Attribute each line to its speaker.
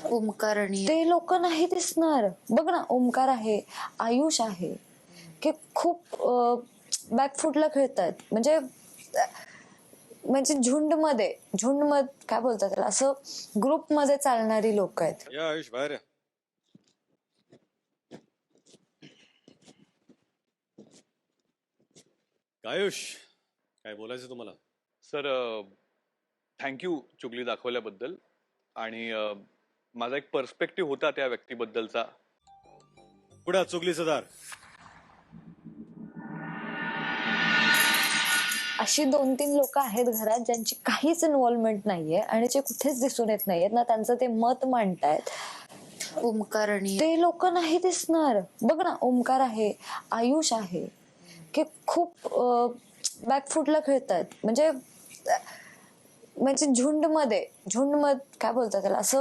Speaker 1: ओमकार आणि
Speaker 2: ते लोक नाही दिसणार. बघ ना, ओमकार आहे, आयुष आहे, की खूप बॅकफुटला खेळतात. म्हणजे झुंड काय बोलतात त्याला, असं ग्रुप मध्ये चालणारी लोक आहेत.
Speaker 3: या आयुष बाहेर या. काय आयुष, काय बोलायचं तुम्हाला?
Speaker 4: सर, थँक्यू चुगली दाखवल्याबद्दल. आणि माझा एक पर्स्पेक्टिव्ह होता त्या व्यक्तीबद्दलचा.
Speaker 3: पुढे चुगलीचं दार.
Speaker 2: अशी 2-3 लोक आहेत घरात ज्यांची काहीच इन्व्हॉल्वमेंट नाहीये आणि जे कुठेच दिसून येत नाहीयेत ना, त्यांचं ते मत मांडतायत.
Speaker 1: ओमकार आणि
Speaker 2: ते लोक नाही दिसणार. बघ ना, ओमकार आहे, आयुष आहे, की खूप बॅकफुटला खेळतात. म्हणजे झुंड काय बोलतात त्याला, असं